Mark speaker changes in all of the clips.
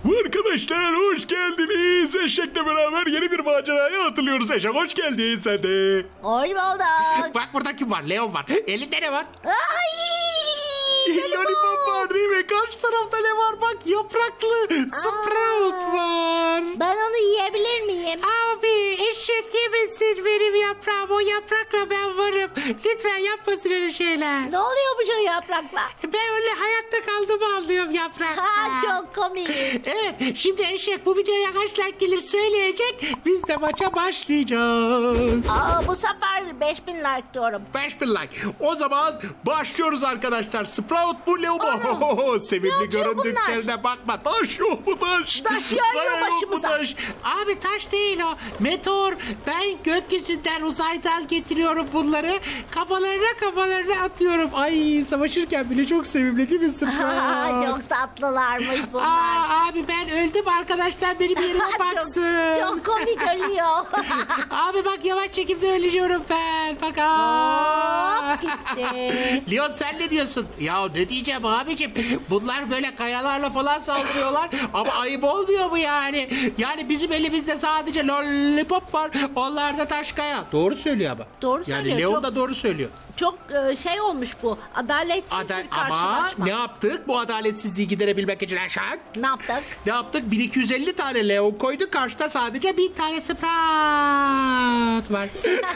Speaker 1: Arkadaşlar hoş geldiniz. Eşek'le beraber yeni bir maceraya atılıyoruz. Eşek hoş geldin sen de.
Speaker 2: Hoş bulduk.
Speaker 3: Bak burada kim var? Leon var. Elinde ne var?
Speaker 2: Ay!
Speaker 3: Lollipop var değil mi? Karşı tarafta ne var? Bak yapraklı Sprout var.
Speaker 2: Ben onu yiyebilir miyim?
Speaker 3: Abi eşek yemesin benim yaprağım. O yaprakla ben varım. Lütfen yapmasın öyle şeyler.
Speaker 2: Ne oluyormuş o yaprakla?
Speaker 3: Ben öyle hayatta kaldığımı anlıyorum yaprakla.
Speaker 2: Ha, çok komik.
Speaker 3: Evet şimdi eşek bu videoya kaç like gelir söyleyecek. Biz de maça başlayacağız.
Speaker 2: Bu sefer 5000 like diyorum.
Speaker 3: 5000 like. O zaman başlıyoruz arkadaşlar. Sprout bu Leo bu.
Speaker 2: Ne
Speaker 3: Sevimli
Speaker 2: atıyor
Speaker 3: göründüklerine bakma. Taş yok mu taş?
Speaker 2: Taş yağıyor
Speaker 3: Kaya yok mu
Speaker 2: başımıza.
Speaker 3: taş? Abi taş değil o. Meteor. Ben gökyüzünden uzaydan getiriyorum bunları. Kafalarına atıyorum. Ay savaşırken bile çok sevimli değil mi Sprout?
Speaker 2: Çok tatlılarmış bunlar.
Speaker 3: Abi ben öldüm arkadaşlar benim yerime baksın.
Speaker 2: Çok komik ölüyor.
Speaker 3: Abi bak yavaş çekimde ölüyorum ben. Bak
Speaker 2: Hop gitti.
Speaker 3: Leon sen ne diyorsun? Ya ne diyeceğim abicim? Bunlar böyle kayalarla falan saldırıyorlar. Ama ayıp olmuyor mu yani? Yani bizim elimizde sadece lollipop var. Onlarda taş kaya. Doğru söylüyor ama.
Speaker 2: Doğru
Speaker 3: Yani
Speaker 2: söylüyor,
Speaker 3: Leon
Speaker 2: çok-
Speaker 3: da doğru söylüyor.
Speaker 2: Çok şey olmuş bu. Adaletsiz bir
Speaker 3: Ama
Speaker 2: karşılaşma.
Speaker 3: ne yaptık? Bu adaletsizliği giderebilmek için aşağı.
Speaker 2: Ne yaptık?
Speaker 3: Ne yaptık? 1250 tane Leon koyduk. Karşıda sadece 1000 tane Sprout var.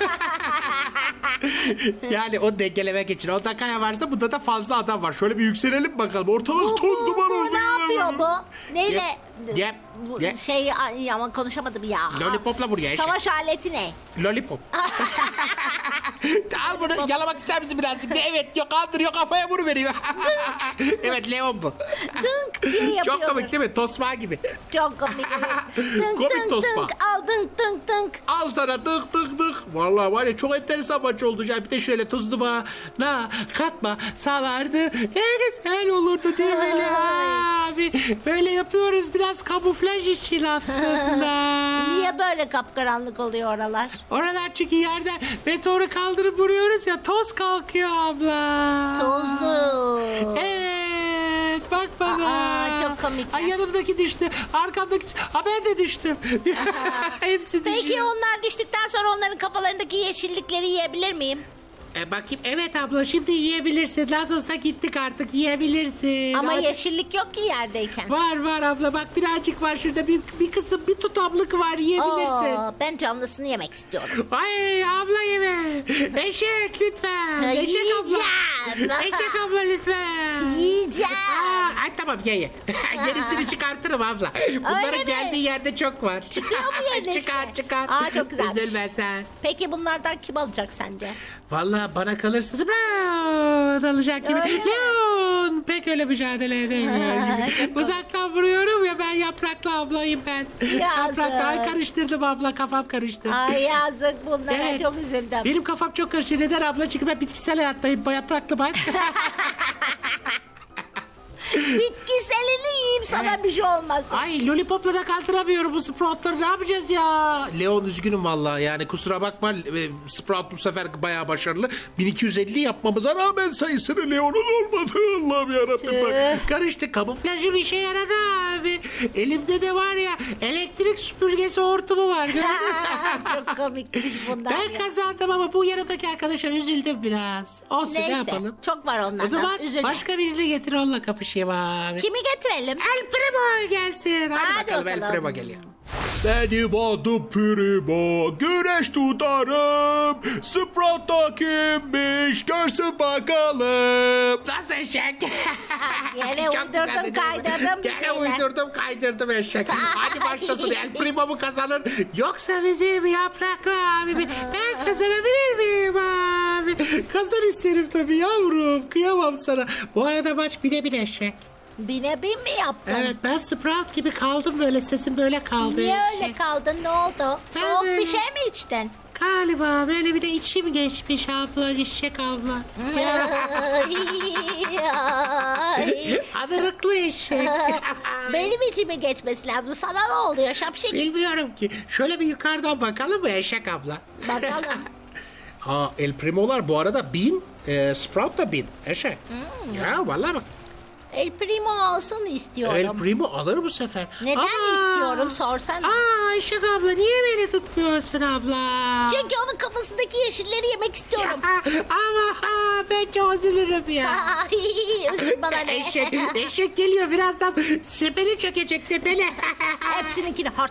Speaker 3: Yani o dengelemek için. Onda kaya varsa bunda da fazla adam var. Şöyle bir yükselelim bakalım. Ortalık toz duman oldu.
Speaker 2: ne yapıyor bu? Neyle?
Speaker 3: Yep,
Speaker 2: Bu
Speaker 3: yep.
Speaker 2: şey ay, ama konuşamadım ya.
Speaker 3: Lollipopla buraya eşek.
Speaker 2: Savaş aleti ne?
Speaker 3: Lollipop. Al bunu yalamak ister misin birazcık? Evet yok kaldırıyor kafaya vuruveriyor. Evet Leon bu.
Speaker 2: Dınk diye yapıyor.
Speaker 3: Çok komik değil mi? Tosma gibi.
Speaker 2: Çok komik. Dınk
Speaker 3: Komik
Speaker 2: dınk
Speaker 3: tosma.
Speaker 2: dınk al dınk dınk dınk.
Speaker 3: Al sana tık tık tık. Vallahi var ya çok enteresan maç oldu. Ya bir de şöyle tuzlu bana katma sağlardı. Ne güzel olurdu değil mi abi? Böyle yapıyoruz biraz kamuflaj için aslında.
Speaker 2: Niye böyle kapkaranlık oluyor oralar?
Speaker 3: Oralar çünkü yerde meteoru kaldırıp vuruyoruz ya toz kalkıyor abla.
Speaker 2: Tozlu.
Speaker 3: Evet bak bana.
Speaker 2: Aa, çok komik.
Speaker 3: Ay yanımdaki düştü. Arkamdaki ha ben de düştüm. Hepsi düşüyor.
Speaker 2: Peki onlar düştükten sonra onların kafalarındaki yeşillikleri yiyebilir miyim?
Speaker 3: Bakayım evet abla şimdi yiyebilirsin. Lazos'a gittik artık yiyebilirsin.
Speaker 2: Ama
Speaker 3: Hadi.
Speaker 2: yeşillik yok ki yerdeyken.
Speaker 3: Var abla bak birazcık var şurada bir kısım bir tutamlık var yiyebilirsin.
Speaker 2: Ben canlısını yemek istiyorum.
Speaker 3: Ay abla yeme. Eşek lütfen. Eşek abla.
Speaker 2: Yiyeceğim.
Speaker 3: Eşek abla lütfen.
Speaker 2: Yiyeceğim.
Speaker 3: Ay tamam ye. Gerisini çıkartırım abla.
Speaker 2: Öyle
Speaker 3: Bunların
Speaker 2: mi?
Speaker 3: geldiği yerde çok var.
Speaker 2: Çıkıyor mu yenisi?
Speaker 3: Çıkar.
Speaker 2: Aa, çok güzelmiş.
Speaker 3: Üzülme sen.
Speaker 2: Peki bunlardan kim alacak sence?
Speaker 3: Vallahi bana kalırsa Sprout alacak gibi.
Speaker 2: Öyle mi?
Speaker 3: Leon pek öyle mücadele edemiyor
Speaker 2: Çok
Speaker 3: gibi. Uzaktan vuruyorum ya ben yapraklı ablayım ben.
Speaker 2: Yazık.
Speaker 3: Yapraklı ay karıştırdım abla kafam karıştı.
Speaker 2: Ay yazık bunlara
Speaker 3: Evet.
Speaker 2: çok üzüldüm.
Speaker 3: Benim kafam çok karıştı. Neden abla? Çünkü ben bitkisel hayattayım. Yapraklı bak.
Speaker 2: Bitkiselini yiyeyim sana
Speaker 3: Evet.
Speaker 2: bir şey olmasın.
Speaker 3: Ay lollipopla da kaldıramıyorum bu Sprout'ları. Ne yapacağız ya? Leon üzgünüm vallahi yani kusura bakma. Sprout bu sefer bayağı başarılı. 1250 yapmamıza rağmen sayısını Leon'un olmadı. Allah'ım yarabbim bak. Karıştı. Kamuflajı bir şey yaradı abi. Elimde de var ya elektrik süpürgesi hortumu var. Gördün mü?
Speaker 2: Çok komikmiş bunlar.
Speaker 3: Ben kazandım ama bu yanımdaki arkadaşa üzüldüm biraz. Olsun
Speaker 2: Neyse,
Speaker 3: ne yapalım?
Speaker 2: çok var onlardan.
Speaker 3: O zaman
Speaker 2: Üzülme.
Speaker 3: başka birini getir onunla kapışayım abi.
Speaker 2: Kimi getirelim?
Speaker 3: El Primo gelsin. Hadi,
Speaker 2: Hadi
Speaker 3: bakalım El
Speaker 2: bakalım.
Speaker 3: Primo geliyor.
Speaker 1: Benim adım Primo. Güneş tutarım. Sprout'ta kimmiş? Görsün bakalım.
Speaker 3: Nasıl eşek?
Speaker 2: Yine
Speaker 3: Çok
Speaker 2: uydurdum,
Speaker 3: güzeldi değil mi?
Speaker 2: kaydırdım bir
Speaker 3: Gene
Speaker 2: şeyler.
Speaker 3: uydurdum kaydırdım eşek. Hadi başlasın El Primo mu kazanır? Yoksa bizim yapraklı abimi ben kazanabilir miyim abi? Kazan isterim tabii yavrum. Kıyamam sana. Bu arada maç bine bine eşek.
Speaker 2: Bine bin mi yaptın?
Speaker 3: Evet ben Sprout gibi kaldım böyle sesim böyle kaldı.
Speaker 2: Niye
Speaker 3: eşek.
Speaker 2: öyle kaldın? Ne oldu?
Speaker 3: Ben
Speaker 2: Soğuk
Speaker 3: böyle-
Speaker 2: bir şey mi içtin?
Speaker 3: Galiba böyle bir de içim geçmiş abla eşek abla.
Speaker 2: Ay.
Speaker 3: Adarıklı eşek.
Speaker 2: Benim içime geçmesi lazım. Sana ne oluyor şapşik?
Speaker 3: Bilmiyorum ki. Şöyle bir yukarıdan bakalım mı eşek abla?
Speaker 2: Bakalım.
Speaker 3: Aa El Primo'lar bu arada 1000, Sprout da 1000 eşek. Ya vallahi bak.
Speaker 2: El Primo alsın istiyorum.
Speaker 3: El Primo alır bu sefer.
Speaker 2: Neden istiyorum sorsana.
Speaker 3: Eşek abla niye beni tutmuyorsun abla?
Speaker 2: Çünkü onun kafasındaki yeşilleri yemek istiyorum.
Speaker 3: Ama ben çok üzülürüm ya.
Speaker 2: Ay, bana ne?
Speaker 3: Eşek geliyor birazdan sepeli çökecek tepeli.
Speaker 2: Hepsininkini hart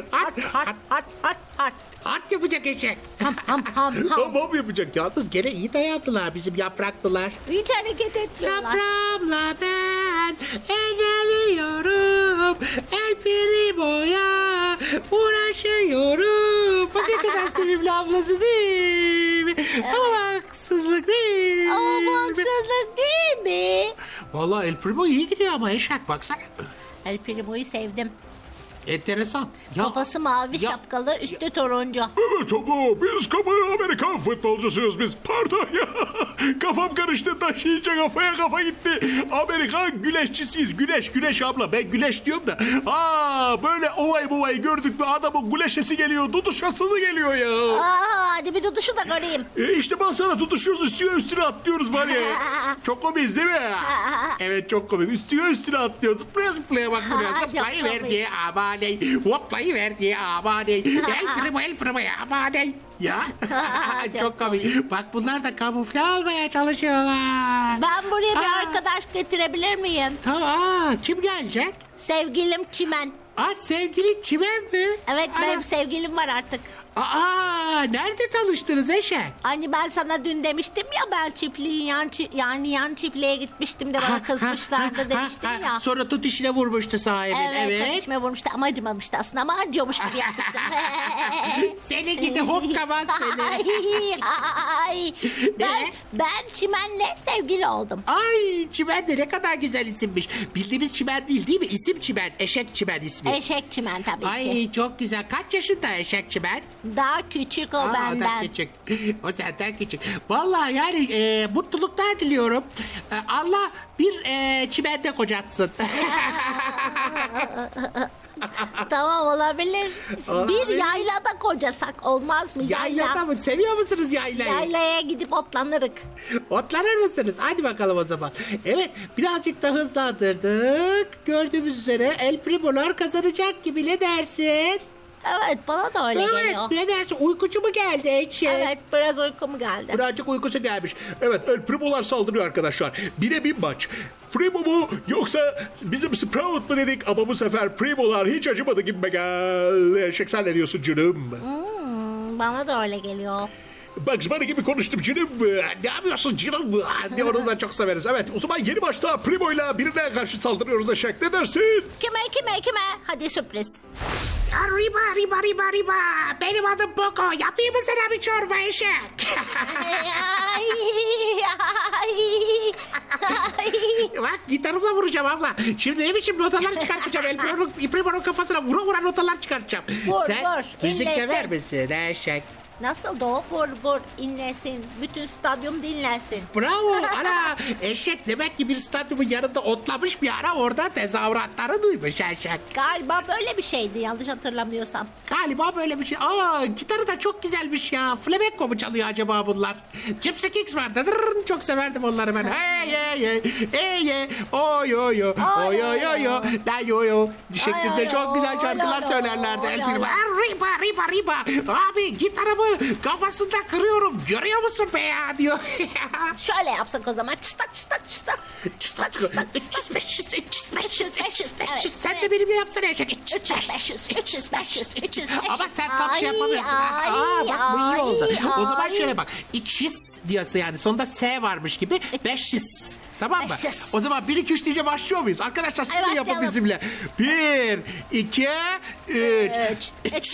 Speaker 2: hart.
Speaker 3: Art yapacak eşek.
Speaker 2: Ham.
Speaker 3: Tamam yapacak. Yalnız gene iyi dayandılar bizim yapraklılar.
Speaker 2: Hiç hareket etmiyorlar.
Speaker 3: Yaprağımla ben engelliyorum. El Primo'ya uğraşıyorum. Bak ne kadar sevimli ablası değil mi? Ama haksızlık değil
Speaker 2: Ama bu
Speaker 3: mi?
Speaker 2: haksızlık değil mi?
Speaker 3: Vallahi El Primo iyi gidiyor ama eşek baksana.
Speaker 2: El Primo'yu sevdim.
Speaker 3: Enteresan.
Speaker 2: Kafası mavi
Speaker 3: ya-
Speaker 2: şapkalı, üstü turuncu.
Speaker 1: Evet abla biz Amerikan futbolcusuyuz biz. Pardon ya. Kafam karıştı taşıyınca kafa gitti. Amerikan güleşçisiyiz. Güleş abla. Ben güleş diyorum da. Böyle ovayı gördük mü adamın güleşesi geliyor. Duduşası geliyor ya.
Speaker 2: Hadi bir tutuşu da göreyim.
Speaker 1: İşte ben sana tutuşuyoruz üstüne atlıyoruz var ya. Çok komik değil mi? Evet çok komik. Üstüne atlıyoruz. Zıplaya bak buraya.
Speaker 2: Çok
Speaker 1: Zıplayı
Speaker 2: komik.
Speaker 1: verdi amaney. Hoplayı verdi amaney. El primo ya amaney. Ya.
Speaker 3: Çok komik. Bak bunlar da kamufle almaya çalışıyorlar.
Speaker 2: Ben buraya bir arkadaş getirebilir miyim?
Speaker 3: Tamam. Kim gelecek?
Speaker 2: Sevgilim Çimen.
Speaker 3: Sevgili Çimen mi?
Speaker 2: Evet
Speaker 3: Ana.
Speaker 2: benim sevgilim var artık.
Speaker 3: Nerede tanıştınız eşek?
Speaker 2: Hani ben sana dün demiştim ya ben çiftliğin yan çiftliğe gitmiştim de bana kızmışlardı demiştim ya.
Speaker 3: Sonra tut işine vurmuştu sahibin.
Speaker 2: Evet, karışma vurmuştu ama acımamıştı aslında ama acıyormuş gibi yapmıştım.
Speaker 3: Seni gidi hokkaman seni.
Speaker 2: Ay. Ben Çimen'le sevgili oldum.
Speaker 3: Ay Çimen de ne kadar güzel isimmiş. Bildiğimiz Çimen değil mi? İsim Çimen. Eşek Çimen ismi.
Speaker 2: Eşek Çimen tabii ki.
Speaker 3: Ay çok güzel. Kaç yaşında Eşek Çimen?
Speaker 2: Daha küçük o
Speaker 3: O da
Speaker 2: benden.
Speaker 3: küçük. O senden küçük. Vallahi yani mutluluklar diliyorum. Allah bir çimende kocatsın.
Speaker 2: Tamam olabilir.
Speaker 3: Olabilir.
Speaker 2: Bir yaylada kocasak olmaz mı?
Speaker 3: Yaylada mı? Seviyor musunuz yaylayı?
Speaker 2: Yaylaya gidip otlanırık.
Speaker 3: Otlanır mısınız? Hadi bakalım o zaman. Evet birazcık da hızlandırdık. Gördüğümüz üzere El Primo'lar kazanacak gibi ne dersin?
Speaker 2: Evet bana da öyle geliyor.
Speaker 3: Evet ne dersin? Uykucu mu geldi Eçe?
Speaker 2: Evet biraz uykum geldi.
Speaker 3: Birazcık uykusu gelmiş.
Speaker 1: Evet El Primo'lar saldırıyor arkadaşlar. Bire bir maç. Primo mu yoksa bizim Sprout mu dedik ama bu sefer Primo'lar hiç acımadı gibime geldi. Eşek sen ne diyorsun canım?
Speaker 2: Bana da öyle geliyor.
Speaker 1: Bugs Bunny gibi konuştum canım. Ne yapıyorsun canım? Ne onu da çok severiz. Evet o zaman yeni başta Primo'yla birine karşı saldırıyoruz eşek. Ne dersin?
Speaker 2: Kime? Hadi sürpriz.
Speaker 3: Riba. Benim adım Boko. Yapayım mı sana bir çorba eşek? Bak gitarımla vuracağım abla. Şimdi ne biçim notalar çıkartacağım. El Primo'nun kafasına vura notalar çıkartacağım.
Speaker 2: Vur,
Speaker 3: Sen
Speaker 2: vur,
Speaker 3: müzik
Speaker 2: inlesin.
Speaker 3: sever misin eşek?
Speaker 2: Nasıl da o vur inlesin. Bütün stadyum dinlensin.
Speaker 3: Bravo. Ana eşek demek ki bir stadyumun yanında otlamış bir ara orada tezahüratları duymuş eşek.
Speaker 2: Galiba böyle bir şeydi yanlış hatırlamıyorsam.
Speaker 3: Galiba böyle bir şey. Gitarı da çok güzelmiş ya. Flamenco mu çalıyor acaba bunlar? Gypsy Kings vardı. Çok severdim onları ben. Hey. Oy. La yo. Şeklinde
Speaker 2: Ay,
Speaker 3: çok güzel
Speaker 2: oy,
Speaker 3: şarkılar
Speaker 2: oy,
Speaker 3: söylerlerdi.
Speaker 2: oy,
Speaker 3: El
Speaker 2: oy.
Speaker 3: Primo. Riba. Abi gitarımı kafasında kırıyorum. Görüyor musun be ya diyor.
Speaker 2: Şöyle yapsak o zaman çıstak.
Speaker 3: Çıstak. 300.
Speaker 2: Evet,
Speaker 3: Sen de benimle yapsana eşek.
Speaker 2: 300.
Speaker 3: Ama sen tam şey yapamıyorsun. Bak bu iyi oldu. O zaman şöyle bak. 200 diyorsa yani sonunda S varmış gibi 500. Tamam mı?
Speaker 2: 500.
Speaker 3: O zaman 1 2 3 diyece başlıyor muyuz? Arkadaşlar siz de
Speaker 2: Evet,
Speaker 3: yapın
Speaker 2: başlayalım.
Speaker 3: bizimle. 1 2 3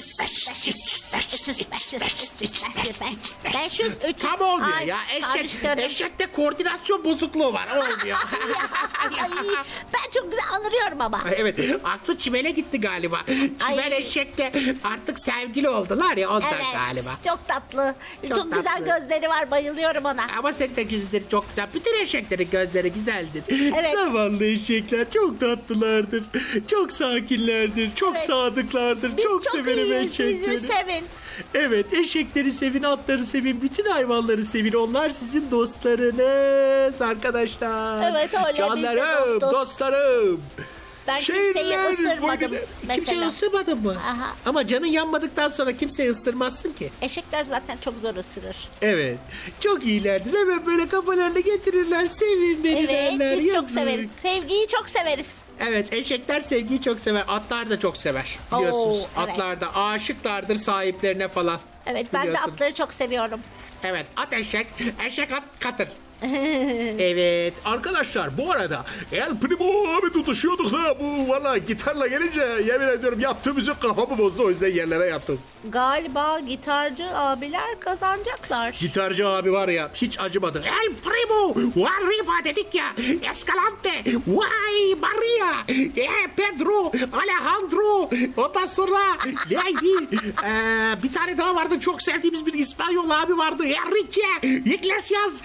Speaker 2: 500.
Speaker 3: Tam olmuyor
Speaker 2: Ay,
Speaker 3: ya.
Speaker 2: karıştırdım.
Speaker 3: Eşekte koordinasyon bozukluğu var. Olmuyor.
Speaker 2: Ay, ben çok güzel anlıyorum ama.
Speaker 3: Evet, aklı Çimen'e gitti galiba. Çimen
Speaker 2: Ay.
Speaker 3: eşekle artık sevgili oldular ya ondan
Speaker 2: Evet,
Speaker 3: galiba.
Speaker 2: çok tatlı.
Speaker 3: Çok
Speaker 2: Çok güzel
Speaker 3: tatlı.
Speaker 2: gözleri var, bayılıyorum ona.
Speaker 3: Ama senin de gözleri çok güzel. Bütün eşeklerin gözleri güzeldir.
Speaker 2: Evet.
Speaker 1: Zavallı eşekler çok tatlılardır. Çok sakinlerdir. Çok
Speaker 2: Evet.
Speaker 1: sadıklardır.
Speaker 2: Biz
Speaker 1: çok severim
Speaker 2: iyiyiz,
Speaker 1: eşekleri.
Speaker 2: bizi sevin.
Speaker 3: Evet, eşekleri sevin, atları sevin, bütün hayvanları sevin. Onlar sizin dostlarınız arkadaşlar.
Speaker 2: Evet, öyle. Biz de
Speaker 3: Canlarım,
Speaker 2: dostuz.
Speaker 3: dostlarım.
Speaker 2: Ben kimseyi ısırmadım
Speaker 3: Kimseyi
Speaker 2: mesela.
Speaker 3: ısırmadın mı?
Speaker 2: Aha.
Speaker 3: Ama canın yanmadıktan sonra kimseyi ısırmazsın ki.
Speaker 2: Eşekler zaten çok zor ısırır.
Speaker 3: Evet. Çok iyilerdir. Hemen böyle kafalarını getirirler. Sevin beni
Speaker 2: Evet,
Speaker 3: derler.
Speaker 2: biz çok
Speaker 3: yazık.
Speaker 2: severiz. Sevgiyi çok severiz.
Speaker 3: Evet, eşekler sevgiyi çok sever. Atlar da çok sever. Biliyorsunuz.
Speaker 2: Oo, evet.
Speaker 3: Atlar da aşıklardır sahiplerine falan.
Speaker 2: Evet, ben de
Speaker 3: Biliyorsunuz.
Speaker 2: atları çok seviyorum.
Speaker 3: Evet, at eşek, eşek at katır. Evet,
Speaker 1: Arkadaşlar bu arada El Primo abi tutuşuyorduk da bu valla gitarla gelince yemin ediyorum yaptığı müzik kafamı bozdu, o yüzden yerlere yattım.
Speaker 2: Galiba gitarcı abiler kazanacaklar.
Speaker 3: gitarcı abi var ya hiç acımadı. El primo, arriba dedik ya. Escalante, vay Maria, Pedro, Alejandro. Ondan sonra neydi? Bir tane daha vardı, çok sevdiğimiz bir İspanyol abi vardı. Enrique Iglesias.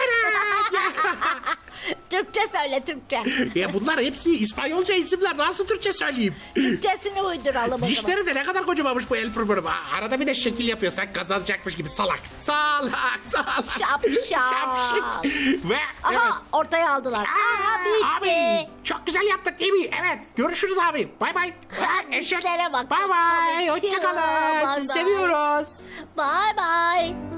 Speaker 2: Türkçe söyle, Türkçe.
Speaker 3: Ya bunlar hepsi İspanyolca isimler. Nasıl Türkçe söyleyeyim?
Speaker 2: Türkçesini uyduralım o zaman.
Speaker 3: Dişleri de ne kadar kocamanmış bu El Primo. Arada bir de şekil yapıyor. Sanki kazanacakmış gibi salak. Salak.
Speaker 2: Şapşal.
Speaker 3: Şapşik. Ve evet.
Speaker 2: Aha, ortaya aldılar. Aha, bitti.
Speaker 3: Abi çok güzel yaptık değil mi? Evet. Görüşürüz abi. Bay bay.
Speaker 2: Dişlere bak.
Speaker 3: Bay bay.
Speaker 2: Komik.
Speaker 3: Hoşçakalın.
Speaker 2: Bay
Speaker 3: Sizi
Speaker 2: bay.
Speaker 3: seviyoruz.
Speaker 2: Bye bye.